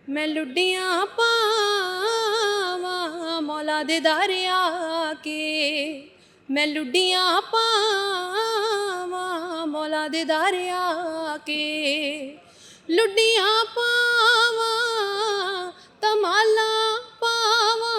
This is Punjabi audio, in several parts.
मैं लुड्डियां पावां मौला दे दरिया के। मैं लुड्डियां पावां मौला दे दरिया के। लुड्डियां पावां तमाला पावां।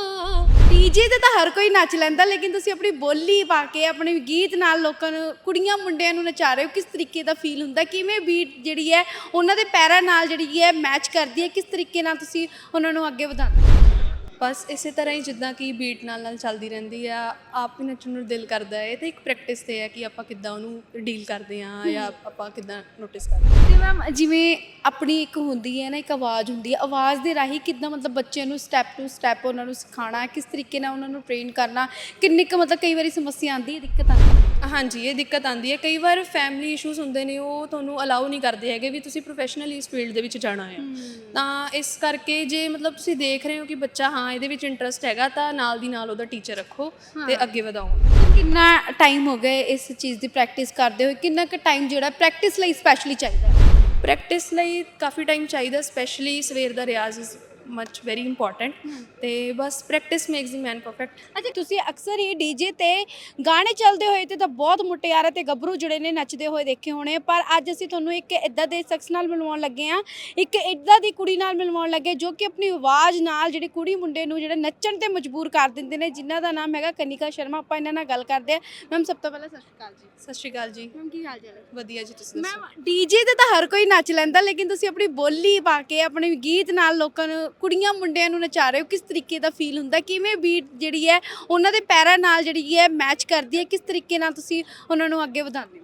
ਡੀਜੇ ਤੇ ਤਾਂ ਹਰ ਕੋਈ ਨੱਚ ਲੈਂਦਾ, ਲੇਕਿਨ ਤੁਸੀਂ ਆਪਣੀ ਬੋਲੀ ਪਾ ਕੇ ਆਪਣੇ ਗੀਤ ਨਾਲ ਲੋਕਾਂ ਨੂੰ, ਕੁੜੀਆਂ ਮੁੰਡਿਆਂ ਨੂੰ ਨਚਾ ਰਹੇ ਹੋ। ਕਿਸ ਤਰੀਕੇ ਦਾ ਫੀਲ ਹੁੰਦਾ, ਕਿਵੇਂ ਬੀਟ ਜਿਹੜੀ ਹੈ ਉਹਨਾਂ ਦੇ ਪੈਰਾਂ ਨਾਲ ਜਿਹੜੀ ਹੈ ਮੈਚ ਕਰਦੀ ਹੈ, ਕਿਸ ਤਰੀਕੇ ਨਾਲ ਤੁਸੀਂ ਉਹਨਾਂ ਨੂੰ ਅੱਗੇ ਵਧਾਉਂਦੇ ਹੋ? ਬਸ ਇਸੇ ਤਰ੍ਹਾਂ ਹੀ ਜਿੱਦਾਂ ਕਿ ਬੀਟ ਨਾਲ ਚੱਲਦੀ ਰਹਿੰਦੀ ਆ, ਆਪ ਹੀ ਨੱਚਣ ਨੂੰ ਦਿਲ ਕਰਦਾ ਹੈ। ਇਹ ਤਾਂ ਇੱਕ ਪ੍ਰੈਕਟਿਸ ਤੇ ਹੈ ਕਿ ਆਪਾਂ ਕਿੱਦਾਂ ਉਹਨੂੰ ਡੀਲ ਕਰਦੇ ਹਾਂ ਜਾਂ ਆਪਾਂ ਕਿੱਦਾਂ ਨੋਟਿਸ ਕਰਦੇ ਹਾਂ। ਤੇ ਮੈਮ ਜਿਵੇਂ ਆਪਣੀ ਇੱਕ ਹੁੰਦੀ ਹੈ ਨਾ, ਇੱਕ ਆਵਾਜ਼ ਹੁੰਦੀ ਹੈ, ਆਵਾਜ਼ ਦੇ ਰਾਹੀਂ ਕਿੱਦਾਂ ਮਤਲਬ ਬੱਚਿਆਂ ਨੂੰ ਸਟੈਪ ਟੂ ਸਟੈਪ ਉਹਨਾਂ ਨੂੰ ਸਿਖਾਉਣਾ, ਕਿਸ ਤਰੀਕੇ ਨਾਲ ਉਹਨਾਂ ਨੂੰ ਟ੍ਰੇਨ ਕਰਨਾ, ਕਿੰਨੀ ਕੁ ਮਤਲਬ ਕਈ ਵਾਰੀ ਸਮੱਸਿਆ ਆਉਂਦੀ ਹੈ, ਦਿੱਕਤ ਆਉਂਦੀ ਹੈ? ਹਾਂਜੀ, ਇਹ ਦਿੱਕਤ ਆਉਂਦੀ ਹੈ। ਕਈ ਵਾਰ ਫੈਮਿਲੀ ਇਸ਼ੂਜ਼ ਹੁੰਦੇ ਨੇ, ਉਹ ਤੁਹਾਨੂੰ ਅਲਾਉ ਨਹੀਂ ਕਰਦੇ ਹੈਗੇ ਵੀ ਤੁਸੀਂ ਪ੍ਰੋਫੈਸ਼ਨਲੀ ਇਸ ਫੀਲਡ ਦੇ ਵਿੱਚ ਜਾਣਾ ਹੈ। ਤਾਂ ਇਸ ਕਰਕੇ ਜੇ ਮਤਲਬ ਤੁਸੀਂ ਦੇਖ ਰਹੇ ਹੋ ਕਿ ਬੱਚਾ ਹਾਂ ਇਹਦੇ ਵਿੱਚ ਇੰਟਰਸਟ ਹੈਗਾ, ਤਾਂ ਨਾਲ ਦੀ ਨਾਲ ਉਹਦਾ ਟੀਚਰ ਰੱਖੋ ਤੇ ਅੱਗੇ ਵਧਾਓ। ਕਿੰਨਾ ਟਾਈਮ ਹੋ ਗਿਆ ਇਸ ਚੀਜ਼ ਦੀ ਪ੍ਰੈਕਟਿਸ ਕਰਦੇ ਹੋਏ? ਕਿੰਨਾ ਕੁ ਟਾਈਮ ਜਿਹੜਾ ਪ੍ਰੈਕਟਿਸ ਲਈ ਸਪੈਸ਼ਲੀ ਚਾਹੀਦਾ ਹੈ? ਪ੍ਰੈਕਟਿਸ ਲਈ ਕਾਫੀ ਟਾਈਮ ਚਾਹੀਦਾ, ਸਪੈਸ਼ਲੀ ਸਵੇਰ ਦਾ ਰਿਆਜ਼ ਇਜ਼ ਮਚ ਵੈਰੀ ਇੰਪੋਰਟੈਂਟ। ਤੇ ਬਸ practice makes the man perfect. ਅੱਛਾ, ਤੁਸੀਂ ਅਕਸਰ ਹੀ ਡੀਜੇ ਤੇ ਗਾਣੇ ਚੱਲਦੇ ਹੋਏ ਤੇ ਤਾਂ ਬਹੁਤ ਮੁਟਿਆਰਾਂ ਤੇ ਗੱਭਰੂ ਜਿਹੜੇ ਨੇ ਨੱਚਦੇ ਹੋਏ ਦੇਖੇ ਹੋਣੇ, ਪਰ ਅੱਜ ਅਸੀਂ ਤੁਹਾਨੂੰ ਇੱਕ ਇਦਾਂ ਦੇ ਸ਼ਖਸ ਨਾਲ ਮਿਲਵਾਉਣ ਲੱਗੇ ਹਾਂ, ਇੱਕ ਇਦਾਂ ਦੀ ਕੁੜੀ ਨਾਲ ਮਿਲਵਾਉਣ ਲੱਗੇ ਜੋ ਕਿ ਆਪਣੀ ਆਵਾਜ਼ ਨਾਲ ਜਿਹੜੀ ਕੁੜੀ ਮੁੰਡੇ ਨੂੰ ਜਿਹੜਾ ਨੱਚਣ ਤੇ ਮਜਬੂਰ ਕਰ ਦਿੰਦੇ ਨੇ, ਜਿਨ੍ਹਾਂ ਦਾ ਨਾਮ ਹੈਗਾ ਕਨਿਕਾ ਸ਼ਰਮਾ। ਆਪਾਂ ਇਹਨਾਂ ਨਾਲ ਗੱਲ ਕਰਦੇ ਹਾਂ। ਮੈਮ ਸਭ ਤੋਂ ਪਹਿਲਾਂ ਸਤਿ ਸ਼੍ਰੀ ਅਕਾਲ ਜੀ। ਸਤਿ ਸ਼੍ਰੀ ਅਕਾਲ ਜੀ। ਮੈਮ ਕੀ ਹਾਲ ਚਾਲ ਹੈ? ਵਧੀਆ ਜੀ, ਤੁਸੀਂ ਦੱਸੋ? ਮੈਮ ਡੀਜੇ ਤੇ ਤਾਂ ਹਰ ਕੋਈ ਨੱਚ ਲੈਂਦਾ, ਲੇਕਿਨ ਤੁਸੀਂ ਆਪਣੀ ਬੋਲੀ ਪਾ ਕੇ ਆਪਣੇ ਗੀਤ ਨਾਲ ਲੋਕਾਂ ਨੂੰ, ਕੁੜੀਆਂ ਮੁੰਡਿਆਂ ਨੂੰ ਨਚਾ ਰਹੇ ਹੋ। ਕਿਸ ਤਰੀਕੇ ਦਾ ਫੀਲ ਹੁੰਦਾ, ਕਿਵੇਂ ਬੀਟ ਜਿਹੜੀ ਹੈ ਉਹਨਾਂ ਦੇ ਪੈਰਾਂ ਨਾਲ ਜਿਹੜੀ ਹੈ ਮੈਚ ਕਰਦੀ ਹੈ, ਕਿਸ ਤਰੀਕੇ ਨਾਲ ਤੁਸੀਂ ਉਹਨਾਂ ਨੂੰ ਅੱਗੇ ਵਧਾਉਂਦੇ ਹੋ?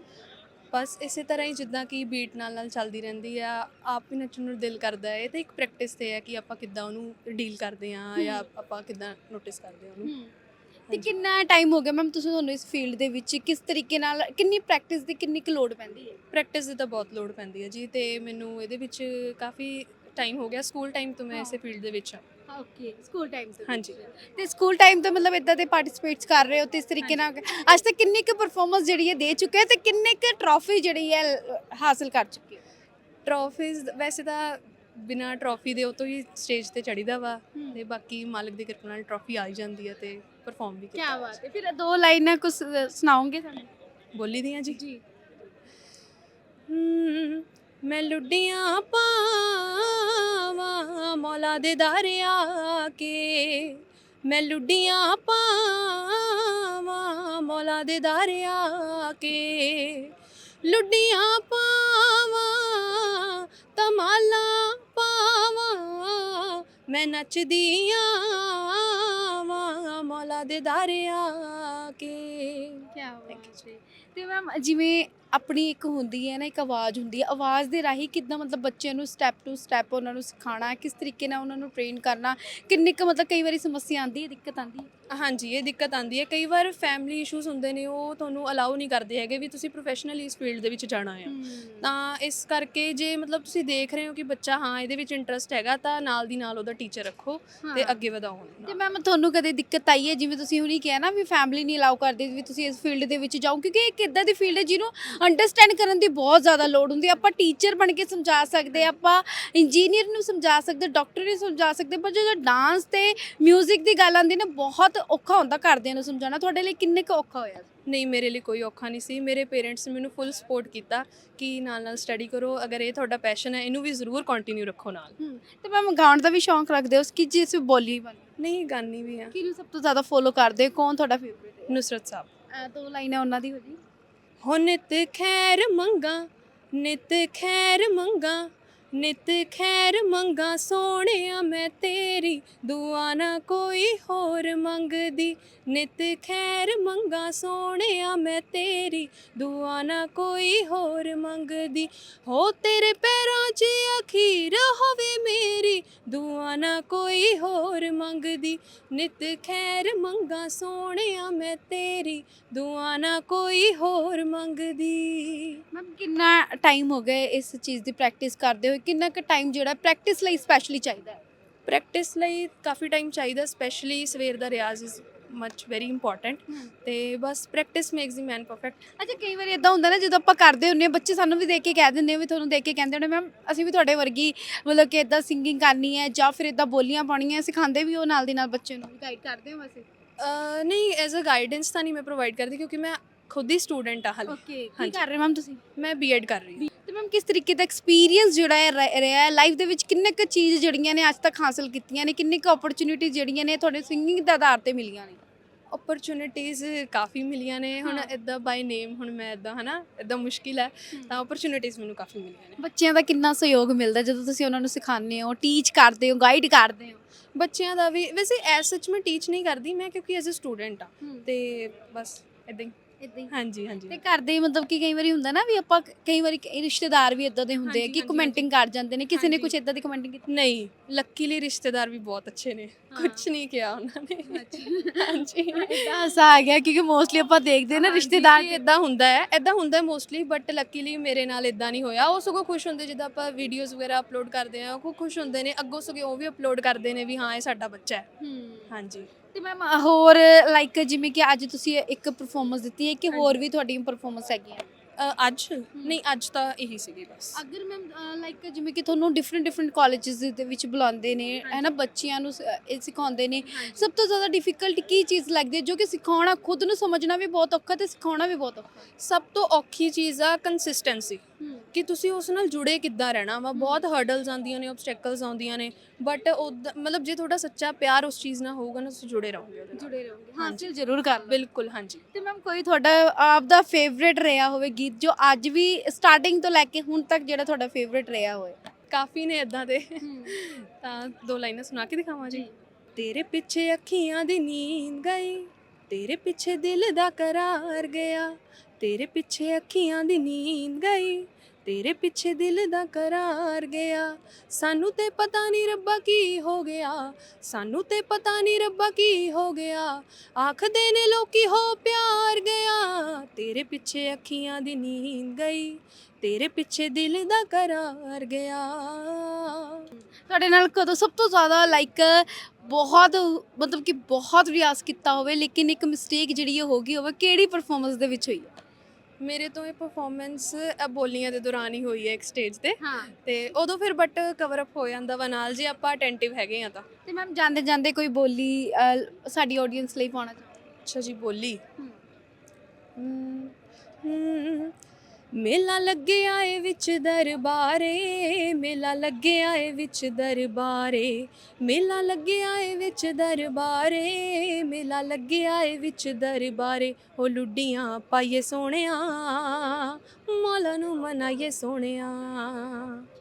ਬਸ ਇਸੇ ਤਰ੍ਹਾਂ ਹੀ ਜਿੱਦਾਂ ਕਿ ਬੀਟ ਨਾਲ ਚੱਲਦੀ ਰਹਿੰਦੀ ਆ, ਆਪ ਹੀ ਨੱਚਣ ਨੂੰ ਦਿਲ ਕਰਦਾ ਹੈ। ਇਹ ਤਾਂ ਇੱਕ ਪ੍ਰੈਕਟਿਸ ਤੇ ਹੈ ਕਿ ਆਪਾਂ ਕਿੱਦਾਂ ਉਹਨੂੰ ਡੀਲ ਕਰਦੇ ਹਾਂ ਜਾਂ ਆਪਾਂ ਕਿੱਦਾਂ ਨੋਟਿਸ ਕਰਦੇ ਹਾਂ ਉਹਨੂੰ। ਤੇ ਕਿੰਨਾ ਟਾਈਮ ਹੋ ਗਿਆ ਮੈਮ ਤੁਹਾਨੂੰ ਇਸ ਫੀਲਡ ਦੇ ਵਿੱਚ? ਕਿਸ ਤਰੀਕੇ ਨਾਲ, ਕਿੰਨੀ ਪ੍ਰੈਕਟਿਸ ਦੀ ਕਿੰਨੀ ਕੁ ਲੋੜ ਪੈਂਦੀ ਹੈ? ਪ੍ਰੈਕਟਿਸ ਦੀ ਤਾਂ ਬਹੁਤ ਲੋੜ ਪੈਂਦੀ ਹੈ ਜੀ, ਤੇ ਮੈਨੂੰ ਇਹਦੇ ਵਿੱਚ ਕਾਫੀ ਟਾਈਮ ਹੋ ਗਿਆ। ਸਕੂਲ ਟਾਈਮ ਤੋਂ ਮੈਂ ਇਸੇ ਫੀਲਡ ਦੇ ਵਿੱਚ ਹਾਂ। ਓਕੇ, ਸਕੂਲ ਟਾਈਮ ਤੋਂ। ਹਾਂਜੀ। ਤੇ ਸਕੂਲ ਟਾਈਮ ਤੋਂ ਮਤਲਬ ਇਦਾਂ ਦੇ ਪਾਰਟਿਸਿਪੇਟਸ ਕਰ ਰਹੇ ਹੋ ਤੇ ਇਸ ਤਰੀਕੇ ਨਾਲ ਅੱਜ ਤੱਕ ਕਿੰਨੀ ਕੁ ਪਰਫਾਰਮੈਂਸ ਜਿਹੜੀ ਹੈ ਦੇ ਚੁੱਕੇ ਹੋ ਤੇ ਕਿੰਨੇ ਕੁ ਟਰੋਫੀ ਜਿਹੜੀ ਹੈ ਹਾਸਲ ਕਰ ਚੁੱਕੇ ਹੋ? ਟਰੋਫੀਜ਼ ਵੈਸੇ ਤਾਂ ਬਿਨਾਂ ਟਰੋਫੀ ਦੇ ਉਹ ਤੋਂ ਹੀ ਸਟੇਜ ਤੇ ਚੜੀਦਾ ਵਾ, ਤੇ ਬਾਕੀ ਮਾਲਕ ਦੀ ਕਿਰਪਾ ਨਾਲ ਟਰੋਫੀ ਆ ਹੀ ਜਾਂਦੀ ਹੈ ਤੇ ਪਰਫਾਰਮ ਵੀ ਕੀ ਕੀਤਾ। ਬਾਤ ਹੈ। ਫਿਰ ਦੋ ਲਾਈਨਾਂ ਕੁਝ ਸੁਣਾਓਗੇ ਸਾਨੂੰ? ਬੋਲੀ ਦੀਆਂ ਜੀ। ਜੀ। मैं लुड्डियां पावां मौला दे दरिया के। मैं लुड्डियां पावां मौला दे दरिया के। लुड्डियां पावां तमाला पावां। मैं नचदी आवां मौला दे दरिया के। ਕੀ ਬਾਤ ਹੈ। ਤੇ ਮੈਮ ਜਿਵੇਂ ਆਪਣੀ ਇੱਕ ਹੁੰਦੀ ਹੈ ਨਾ, ਇੱਕ ਆਵਾਜ਼ ਹੁੰਦੀ ਹੈ, ਆਵਾਜ਼ ਦੇ ਰਾਹੀਂ ਕਿੱਦਾਂ ਮਤਲਬ ਬੱਚਿਆਂ ਨੂੰ ਸਟੈਪ ਟੂ ਸਟੈਪ ਉਹਨਾਂ ਨੂੰ ਸਿਖਾਉਣਾ, ਕਿਸ ਤਰੀਕੇ ਨਾਲ ਉਹਨਾਂ ਨੂੰ ਟ੍ਰੇਨ ਕਰਨਾ, ਕਿੰਨੀ ਕੁ ਮਤਲਬ ਕਈ ਵਾਰੀ ਸਮੱਸਿਆ ਆਉਂਦੀ ਹੈ, ਦਿੱਕਤ ਆਉਂਦੀ ਹੈ? ਹਾਂਜੀ, ਇਹ ਦਿੱਕਤ ਆਉਂਦੀ ਹੈ। ਕਈ ਵਾਰ ਫੈਮਿਲੀ ਇਸ਼ੂਜ਼ ਹੁੰਦੇ ਨੇ, ਉਹ ਤੁਹਾਨੂੰ ਅਲਾਉ ਨਹੀਂ ਕਰਦੇ ਹੈਗੇ ਵੀ ਤੁਸੀਂ ਪ੍ਰੋਫੈਸ਼ਨਲੀ ਇਸ ਫੀਲਡ ਦੇ ਵਿੱਚ ਜਾਣਾ ਆ। ਤਾਂ ਇਸ ਕਰਕੇ ਜੇ ਮਤਲਬ ਤੁਸੀਂ ਦੇਖ ਰਹੇ ਹੋ ਕਿ ਬੱਚਾ ਹਾਂ ਇਹਦੇ ਵਿੱਚ ਇੰਟਰਸਟ ਹੈਗਾ, ਤਾਂ ਨਾਲ ਦੀ ਨਾਲ ਉਹਦਾ ਟੀਚਰ ਰੱਖੋ ਤੇ ਅੱਗੇ ਵਧਾਓ ਉਹਨੂੰ। ਤੇ ਮੈਮ ਤੁਹਾਨੂੰ ਕਦੇ ਦਿੱਕਤ ਆਈ ਹੈ, ਜਿਵੇਂ ਤੁਸੀਂ ਹੁਣੀ ਕਿਹਾ ਨਾ ਵੀ ਫੈਮਿਲੀ ਨਹੀਂ ਅਲਾਉ ਕਰਦੀ ਵੀ ਤੁਸੀਂ ਇਸ ਫੀਲਡ ਦੇ ਵਿੱਚ ਜਾਓ, ਕਿਉਂਕਿ ਇੱਕ ਇੱਦਾਂ ਦੀ ਫੀਲਡ ਹੈ ਜਿਹਨੂੰ ਅੰਡਰਸਟੈਂਡ ਕਰਨ ਦੀ ਬਹੁਤ ਜ਼ਿਆਦਾ ਲੋੜ ਹੁੰਦੀ ਹੈ। ਆਪਾਂ ਟੀਚਰ ਬਣ ਕੇ ਸਮਝਾ ਸਕਦੇ, ਆਪਾਂ ਇੰਜੀਨੀਅਰ ਨੂੰ ਸਮਝਾ ਸਕਦੇ, ਡਾਕਟਰ ਨੂੰ ਸਮਝਾ ਸਕਦੇ, ਪਰ ਜਦੋਂ ਡਾਂਸ ਤੇ ਮਿਊਜ਼ਿਕ ਦੀ ਗੱਲ ਆਉਂਦੀ ਨਾ, ਬਹੁਤ ਔਖਾ ਹੁੰਦਾ ਘਰਦਿਆਂ ਨੂੰ ਸਮਝਾਉਣਾ। ਤੁਹਾਡੇ ਲਈ ਕਿੰਨੇ ਕੁ ਔਖਾ ਹੋਇਆ? ਨਹੀਂ, ਮੇਰੇ ਲਈ ਕੋਈ ਔਖਾ ਨਹੀਂ ਸੀ। ਮੇਰੇ ਪੇਰੈਂਟਸ ਨੇ ਮੈਨੂੰ ਫੁੱਲ ਸਪੋਰਟ ਕੀਤਾ ਕਿ ਨਾਲ ਸਟੱਡੀ ਕਰੋ, ਅਗਰ ਇਹ ਤੁਹਾਡਾ ਪੈਸ਼ਨ ਹੈ ਇਹਨੂੰ ਵੀ ਜ਼ਰੂਰ ਕੰਟੀਨਿਊ ਰੱਖੋ ਨਾਲ। ਤੇ ਮੈਮ ਗਾਉਣ ਦਾ ਵੀ ਸ਼ੌਂਕ ਰੱਖਦੇ ਹੋ ਕਿ ਜਿਸ ਬੋਲੀ ਬਣ? ਨਹੀਂ, ਗਾਨੀ ਵੀ ਆ। ਕਿਹਨੂੰ ਸਭ ਤੋਂ ਜ਼ਿਆਦਾ ਫੋਲੋ ਕਰਦੇ ਹੋ? ਕੌਣ ਤੁਹਾਡਾ ਫੇਵਰੇਟ ਹੈ? ਨੁਸਰਤ ਸਾਹਿਬ। ਦੋ ਲਾਈਨਾਂ ਉਹਨਾਂ ਦੀ ਹੋ ਜੀ। ਹੋ ਨਿਤ ਖੈਰ ਮੰਗਾ, ਨਿਤ ਖੈਰ ਮੰਗਾ, ਨਿਤ ਖੈਰ ਮੰਗਾ ਸੋਹਣਿਆ ਮੈਂ ਤੇਰੀ, ਦੁਆ ਨਾ ਕੋਈ ਹੋਰ ਮੰਗਦੀ। ਨਿਤ ਖੈਰ ਮੰਗਾ ਸੋਹਣਿਆ ਮੈਂ ਤੇਰੀ, ਦੁਆ ਨਾ ਕੋਈ ਹੋਰ ਮੰਗਦੀ। ਹੋ ਤੇਰੇ ਪੈਰਾਂ 'ਚ ਅਖੀਰ ਹੋਵੇ ਮੇਰੀ, ਦੁਆ ਨਾ ਕੋਈ ਹੋਰ ਮੰਗਦੀ। ਨਿਤ ਖੈਰ ਮੰਗਾ ਸੋਹਣਿਆ ਮੈਂ ਤੇਰੀ, ਦੁਆ ਨਾ ਕੋਈ ਹੋਰ ਮੰਗਦੀ। ਮੈਮ ਕਿੰਨਾ ਟਾਈਮ ਹੋ ਗਿਆ ਇਸ ਚੀਜ਼ ਦੀ ਪ੍ਰੈਕਟਿਸ ਕਰਦੇ ਹੋਏ? ਕਿੰਨਾ ਕੁ ਟਾਈਮ ਜਿਹੜਾ ਪ੍ਰੈਕਟਿਸ ਲਈ ਸਪੈਸ਼ਲੀ ਚਾਹੀਦਾ ਹੈ? ਪ੍ਰੈਕਟਿਸ ਲਈ ਕਾਫੀ ਟਾਈਮ ਚਾਹੀਦਾ, ਸਪੈਸ਼ਲੀ ਸਵੇਰ ਦਾ ਰਿਆਜ਼ ਇਜ਼ ਮਚ ਵੈਰੀ ਇੰਪੋਰਟੈਂਟ ਤੇ ਬਸ practice makes the man perfect. ਅੱਛਾ, ਕਈ ਵਾਰੀ ਇਦਾਂ ਹੁੰਦਾ ਨਾ ਜਦੋਂ ਆਪਾਂ ਕਰਦੇ ਹੁੰਦੇ ਹਾਂ, ਬੱਚੇ ਸਾਨੂੰ ਵੀ ਦੇਖ ਕੇ ਕਹਿ ਦਿੰਦੇ ਆ, ਵੀ ਤੁਹਾਨੂੰ ਦੇਖ ਕੇ ਕਹਿੰਦੇ ਹੁੰਦੇ ਮੈਮ ਅਸੀਂ ਵੀ ਤੁਹਾਡੇ ਵਰਗੀ ਮਤਲਬ ਕਿ ਇਦਾਂ ਸਿੰਗਿੰਗ ਕਰਨੀ ਹੈ ਜਾਂ ਫਿਰ ਇਦਾਂ ਬੋਲੀਆਂ ਪਾਉਣੀਆਂ, ਸਿਖਾਉਂਦੇ ਵੀ ਉਹ ਨਾਲ ਦੀ ਨਾਲ ਬੱਚੇ ਨੂੰ ਗਾਈਡ ਕਰਦੇ ਹੋ ਵੈਸੇ? ਨਹੀਂ ਐਜ਼ ਅ ਗਾਈਡੈਂਸ ਤਾਂ ਨਹੀਂ ਮੈਂ ਪ੍ਰੋਵਾਈਡ ਕਰਦੀ ਕਿਉਂਕਿ ਮੈਂ ਖੁਦ ਹੀ ਸਟੂਡੈਂਟ ਆ ਹਾਲੇ। ਓਕੇ, ਕੀ ਹਾਂਜੀ। ਕਰ ਰਹੇ ਮੈਮ ਤੁਸੀਂ? ਮੈਂ ਬੀਐਡ ਕਰ ਰਹੀ ਹਾਂ। ਤੇ ਮੈਮ ਕਿਸ ਤਰੀਕੇ ਦਾ ਐਕਸਪੀਰੀਅੰਸ ਜਿਹੜਾ ਹੈ ਰਿਹਾ ਹੈ ਲਾਈਫ ਦੇ ਵਿੱਚ, ਕਿੰਨੇ ਕੁ ਚੀਜ਼ ਜਿਹੜੀਆਂ ਨੇ ਅੱਜ ਤੱਕ ਹਾਸਲ ਕੀਤੀਆਂ ਨੇ, ਕਿੰਨੇ ਕੁ ਅਪਰਚੁਨਿਟੀ ਜਿਹੜੀਆਂ ਨੇ ਤੁਹਾਡੇ ਸਿੰਗਿੰਗ ਦੇ ਆਧਾਰ ਤੇ ਮਿਲੀਆਂ ਨੇ? ਓਪਰਚੁਨਿਟੀਜ਼ ਕਾਫੀ ਮਿਲੀਆਂ ਨੇ ਹੁਣ ਹਾਂ। ਇਦਾਂ ਬਾਈ ਨੇਮ ਹੁਣ ਮੈਂ ਇਦਾਂ ਹਨਾ ਇਦਾਂ ਮੁਸ਼ਕਿਲ ਹੈ ਤਾਂ ਓਪਰਚੁਨਿਟੀਜ਼ ਮੈਨੂੰ ਕਾਫੀ ਮਿਲੀਆਂ ਨੇ। ਬੱਚਿਆਂ ਦਾ ਕਿੰਨਾ ਸਹਿਯੋਗ ਮਿਲਦਾ ਜਦੋਂ ਤੁਸੀਂ ਉਹਨਾਂ ਨੂੰ ਸਿਖਾਉਂਦੇ ਹੋ, ਟੀਚ ਕਰਦੇ ਹੋ, ਗਾਈਡ ਕਰਦੇ ਹੋ? ਬੱਚਿਆਂ ਦਾ ਵੀ ਵੈਸੇ ਐਸ ਸੱਚ ਮੈਂ ਟੀਚ ਨਹੀਂ ਕਰਦੀ ਮੈਂ ਕਿਉਂਕਿ ਐਜ਼ ਅ ਸਟੂਡੈਂਟ ਆ ਤੇ ਬਸ ਇਦਾਂ ਹੀ। ਇਦਾਂ ਹੀ। ਹਾਂਜੀ ਹਾਂਜੀ ਤੇ ਘਰ ਦੇ ਮਤਲਬ ਕਿ ਕਈ ਵਾਰੀ ਹੁੰਦਾ ਨਾ ਵੀ ਆਪਾਂ ਕਈ ਵਾਰੀ ਰਿਸ਼ਤੇਦਾਰ ਵੀ ਇਦਾਂ ਦੇ ਹੁੰਦੇ ਆ ਹਾਂਜੀ, ਕਿ ਹਾਂਜੀ, ਕਮੈਂਟਿੰਗ ਕਰ ਜਾਂਦੇ ਨੇ, ਕਿਸੇ ਨੇ ਹਾਂਜੀ। ਕੁਝ ਇਦਾਂ ਦੀ ਕਮੈਂਟਿੰਗ ਕੀਤੀ? ਨਹੀਂ ਲੱਕੀਲੀ ਰਿਸ਼ਤੇਦਾਰ ਵੀ ਬਹੁਤ ਅੱਛੇ ਨੇ ਕੁਝ ਨਹੀਂ ਕਿਹਾ ਉਹਨਾਂ ਨੇ। ਹਾਂਜੀ ਇਦਾਂ ਹਾਸਾ ਆ ਗਿਆ ਕਿਉਂਕਿ ਮੋਸਟਲੀ ਆਪਾਂ ਦੇਖਦੇ ਨਾ ਰਿਸ਼ਤੇਦਾਰ ਇਦਾਂ ਹੁੰਦਾ ਹੈ ਮੋਸਟਲੀ ਬਟ ਲੱਕੀਲੀ ਮੇਰੇ ਨਾਲ ਇਦਾਂ ਨਹੀਂ ਹੋਇਆ। ਉਹ ਸਗੋਂ ਖੁਸ਼ ਹੁੰਦੇ ਜਿੱਦਾਂ ਆਪਾਂ ਵੀਡੀਓਜ਼ ਵਗੈਰਾ ਅਪਲੋਡ ਕਰਦੇ ਆ ਉਹ ਖੁਸ਼ ਹੁੰਦੇ ਨੇ ਅੱਗੋਂ ਸਗੋਂ ਉਹ ਵੀ ਅਪਲੋਡ ਕਰਦੇ ਨੇ ਵੀ ਹਾਂ ਇਹ ਸਾਡਾ ਬੱਚਾ ਹੈ। ਹਾਂਜੀ। ਤੇ ਮੈਮ ਹੋਰ ਲਾਈਕ ਜਿਵੇਂ ਕਿ ਅੱਜ ਤੁਸੀਂ ਇੱਕ ਪਰਫਾਰਮੈਂਸ ਦਿੱਤੀ ਹੈ ਕਿ ਹੋਰ ਵੀ ਤੁਹਾਡੀ ਪਰਫਾਰਮੈਂਸ ਹੈਗੀ ਹੈ? ਅੱਜ ਨਹੀਂ ਅੱਜ ਤਾਂ ਇਹੀ ਸੀਗੀ ਬਸ। ਅਗਰ ਮੈਮ ਲਾਈਕ ਜਿਵੇਂ ਕਿ ਤੁਹਾਨੂੰ ਡਿਫਰੈਂਟ ਕਾਲਜਸ ਦੇ ਵਿੱਚ ਬੁਲਾਉਂਦੇ ਨੇ ਹੈ ਨਾ, ਬੱਚਿਆਂ ਨੂੰ ਇਹ ਸਿਖਾਉਂਦੇ ਨੇ, ਸਭ ਤੋਂ ਜ਼ਿਆਦਾ ਡਿਫਿਕਲਟ ਕੀ ਚੀਜ਼ ਲੱਗਦੀ ਹੈ ਜੋ ਕਿ ਸਿਖਾਉਣਾ ਖੁਦ ਨੂੰ ਸਮਝਣਾ ਵੀ ਬਹੁਤ ਔਖਾ ਤੇ ਸਿਖਾਉਣਾ ਵੀ ਬਹੁਤ ਔਖਾ? ਸਭ ਤੋਂ ਔਖੀ ਚੀਜ਼ ਆ ਕੰਸਿਸਟੈਂਸੀ ਕਿ ਤੁਸੀਂ ਉਸ ਨਾਲ ਜੁੜੇ ਕਿੱਦਾਂ ਰਹਿਣਾ ਵਾ। ਬਹੁਤ ਹਰਡਲਸ ਆਉਂਦੀਆਂ ਨੇ, ਆਬਸਟੈਕਲਸ ਆਉਂਦੀਆਂ ਨੇ ਬਟ ਮਤਲਬ ਜੇ ਤੁਹਾਡਾ ਸੱਚਾ ਪਿਆਰ ਉਸ ਚੀਜ਼ ਨਾਲ ਹੋਊਗਾ ਨਾ ਤੁਸੀਂ ਜੁੜੇ ਰਹੋਗੇ ਉਹਦੇ ਨਾਲ। ਜੁੜੇ ਰਹੋਗੇ, ਹਾਸਿਲ ਜ਼ਰੂਰ ਕਰ ਲਓ। ਬਿਲਕੁਲ ਹਾਂਜੀ। ਤੇ ਮੈਮ ਕੋਈ ਤੁਹਾਡਾ ਆਪ ਦਾ ਫੇਵਰੇਟ ਰਿਹਾ ਹੋਵੇ ਗੀਤ ਜੋ ਅੱਜ ਵੀ ਸਟਾਰਟਿੰਗ ਤੋਂ ਲੈ ਕੇ ਹੁਣ ਤੱਕ ਜਿਹੜਾ ਤੁਹਾਡਾ ਫੇਵਰੇਟ ਰਿਹਾ ਹੋਵੇ? ਕਾਫੀ ਨੇ ਇਦਾਂ ਦੇ ਤਾਂ 2 ਲਾਈਨਾਂ ਸੁਣਾ ਕੇ ਦਿਖਾਵਾਂ ਜੀ। ਤੇਰੇ ਪਿੱਛੇ ਅੱਖੀਆਂ ਦੀ ਨੀਂਦ ਗਈ, ਤੇਰੇ ਪਿੱਛੇ ਦਿਲ ਦਾ ਕਰਾਰ ਗਿਆ, ਤੇਰੇ ਪਿੱਛੇ ਅੱਖੀਆਂ ਦੀ ਨੀਂਦ ਗਈ, ਤੇਰੇ ਪਿੱਛੇ ਦਿਲ ਦਾ ਕਰਾਰ ਗਿਆ, ਸਾਨੂੰ ਤੇ ਪਤਾ ਨਹੀਂ ਰੱਬਾ ਕੀ ਹੋ ਗਿਆ, ਸਾਨੂੰ ਤੇ ਪਤਾ ਨਹੀਂ ਰੱਬਾ ਕੀ ਹੋ ਗਿਆ, ਆਖਦੇ ਨੇ ਲੋਕੀ ਹੋ ਪਿਆਰ ਗਿਆ, ਤੇਰੇ ਪਿੱਛੇ ਅੱਖੀਆਂ ਦੀ ਨੀਂਦ ਗਈ, ਤੇਰੇ ਪਿੱਛੇ ਦਿਲ ਦਾ ਕਰਾਰ ਗਿਆ। ਤੁਹਾਡੇ ਨਾਲ ਕਦੋਂ ਸਭ ਤੋਂ ਜ਼ਿਆਦਾ ਲਾਈਕ ਬਹੁਤ ਮਤਲਬ ਕਿ ਬਹੁਤ ਰਿਆਜ਼ ਕੀਤਾ ਹੋਵੇ ਲੇਕਿਨ ਇੱਕ ਮਿਸਟੇਕ ਜਿਹੜੀ ਉਹ ਹੋ ਗਈ ਹੋਵੇ, ਕਿਹੜੀ ਪਰਫਾਰਮੈਂਸ ਦੇ ਵਿੱਚ ਹੋਈ ਹੈ? ਮੇਰੇ ਤੋਂ ਇਹ ਪਰਫਾਰਮੈਂਸ ਬੋਲੀਆਂ ਦੇ ਦੌਰਾਨ ਹੀ ਹੋਈ ਹੈ ਇੱਕ ਸਟੇਜ ਤੇ ਹਾਂ। ਤੇ ਉਦੋਂ ਫਿਰ ਬਟ ਕਵਰ ਅਪ ਹੋ ਜਾਂਦਾ ਵਾ ਨਾਲ ਜੇ ਆਪਾਂ ਅਟੈਂਟਿਵ ਹੈਗੇ ਆ ਤਾਂ। ਤੇ ਮੈਮ ਜਾਂਦੇ ਜਾਂਦੇ ਕੋਈ ਬੋਲੀ ਸਾਡੀ ਆਡੀਅנס ਲਈ ਪਾਉਣਾ ਚਾਹੋਗੇ? ਅੱਛਾ ਜੀ ਬੋਲੀ। ਮੇਲਾ ਲੱਗਿਆ ਏ ਵਿੱਚ ਦਰਬਾਰੇ, ਮੇਲਾ ਲੱਗਿਆ ਏ ਵਿੱਚ ਦਰਬਾਰੇ, ਮੇਲਾ ਲੱਗਿਆ ਏ ਵਿੱਚ ਦਰਬਾਰੇ, ਮੇਲਾ ਲੱਗਿਆ ਏ ਵਿੱਚ ਦਰਬਾਰੇ, ਉਹ ਲੁੱਡੀਆਂ ਪਾਈਏ ਸੋਹਣਿਆ, ਮੌਲਾ ਨੂੰ ਮਨਾਈਏ ਸੋਹਣਿਆ।